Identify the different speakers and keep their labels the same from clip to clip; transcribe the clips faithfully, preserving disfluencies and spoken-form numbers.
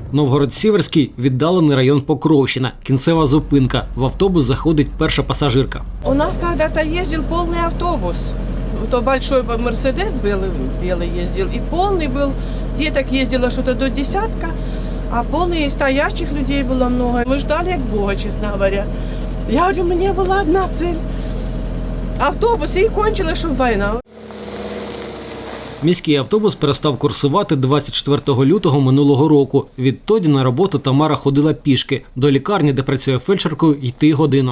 Speaker 1: Новгород-Сіверський – віддалений район Покровщина. Кінцева зупинка. В автобус заходить перша пасажирка.
Speaker 2: У нас когда-то ездил полный автобус. То большой Мерседес белый, белый ездил. И полный был, деток ездило что-то до десятка. А полный и стоящих людей было много. Мы ждали как Бога, честно говоря. Я говорю, у меня была одна цель. Автобус, и кончилась, что война.
Speaker 1: Міський автобус перестав курсувати двадцять четвертого лютого минулого року. Відтоді на роботу Тамара ходила пішки. До лікарні, де працює фельдшеркою, йти годину.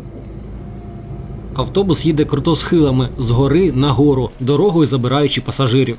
Speaker 1: Автобус їде круто схилами, з гори на гору, дорогою забираючи пасажирів.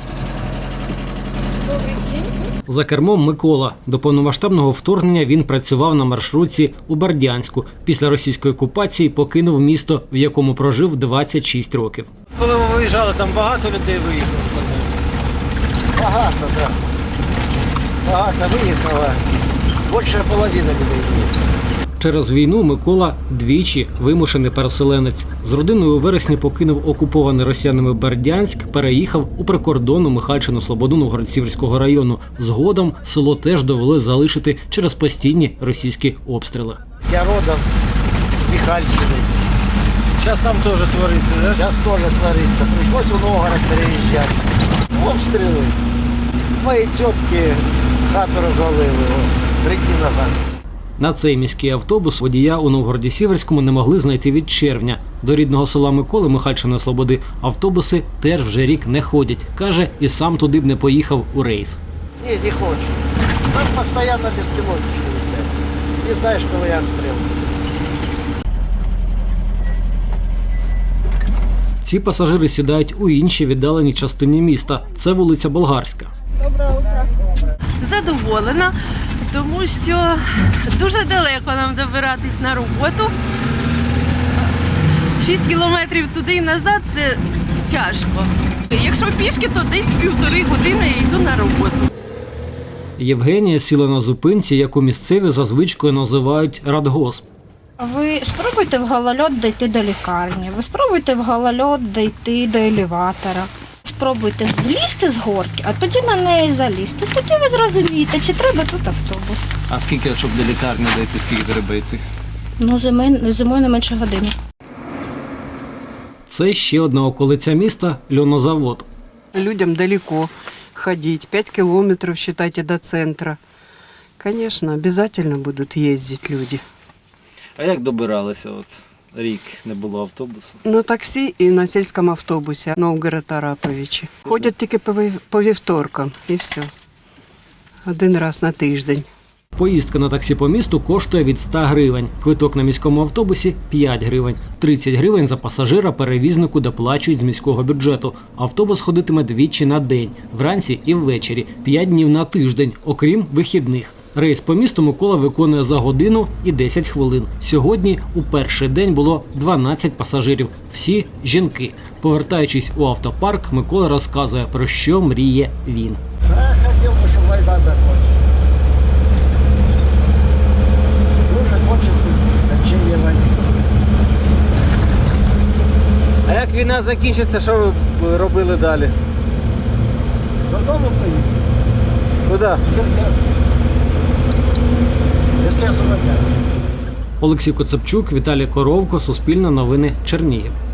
Speaker 1: За кермом Микола. До повномасштабного вторгнення він працював на маршрутці у Бердянську. Після російської окупації покинув місто, в якому прожив двадцять шість років.
Speaker 3: Коли ви виїжджали, там багато людей виїхало?
Speaker 4: Багато, так. Да. Багато виїхало. Більше половини людей виїхало.
Speaker 1: Через війну Микола двічі вимушений переселенець. З родиною у вересні покинув окупований росіянами Бердянськ, переїхав у прикордонну Михайлівщину Слободу Новгород-Сіверського району. Згодом село теж довели залишити через постійні російські обстріли.
Speaker 4: Я родом з Михайлівщини.
Speaker 3: Зараз там теж твориться, так? Да?
Speaker 4: Зараз теж твориться. Прийшлося у Новгород переїжджати. Обстріли. Мої тітки хату розвалили три дні назад.
Speaker 1: На цей міський автобус водія у Новгороді-Сіверському не могли знайти від червня. До рідного села Миколи Михайлівщини Слободи автобуси теж вже рік не ходять. Каже, і сам туди б не поїхав у рейс.
Speaker 4: Ні, не хочу. Там постійно безпілотники висять. Не знаєш, коли я обстріл.
Speaker 1: Ці пасажири сідають у іншій віддаленій частині міста. Це вулиця Болгарська.
Speaker 2: Доброе утро.
Speaker 5: Задоволена, тому що дуже далеко нам добиратись на роботу. Шість кілометрів туди і назад – це тяжко. Якщо пішки, то десь півтори години я йду на роботу.
Speaker 1: Євгенія сіла на зупинці, яку місцеві за звичкою називають радгосп.
Speaker 6: Ви спробуйте в голольот дійти до лікарні, ви спробуйте в голольот дійти до елеватора. Спробуйте злізти з горки, а тоді на неї залізти. Тоді ви зрозумієте, чи треба тут автобус.
Speaker 3: А скільки, щоб до лікарні дійти, скільки треба йти?
Speaker 6: Ну, зимою, зимою не менше години.
Speaker 1: Це ще одна околиця міста – льонозавод.
Speaker 7: Людям далеко ходить, пять километров, считайте, до центра. Конечно, обязательно будут ездить люди.
Speaker 3: А як добиралися? От рік не було автобусу.
Speaker 7: На таксі і на сільському автобусі Новгород-Араповичі. Ходять тільки по вів- по вівторкам і все. Один раз на тиждень.
Speaker 1: Поїздка на таксі по місту коштує від ста гривень. Квиток на міському автобусі – п'ять гривень. тридцять гривень за пасажира перевізнику доплачують з міського бюджету. Автобус ходитиме двічі на день – вранці і ввечері, п'ять днів на тиждень, окрім вихідних. Рейс по місту Микола виконує за годину і десять хвилин. Сьогодні у перший день було дванадцять пасажирів. Всі – жінки. Повертаючись у автопарк, Микола розказує, про що мріє він.
Speaker 4: Я хотів би, щоб війна закінчилася. Дуже хочеться закінчення війни.
Speaker 3: А як війна закінчиться, що ви робили далі?
Speaker 4: Додому поїду.
Speaker 3: Куди?
Speaker 4: Якщо освободять.
Speaker 1: Олексій Коцепчук, Віталій Коровко, Суспільне новини, Чернігів.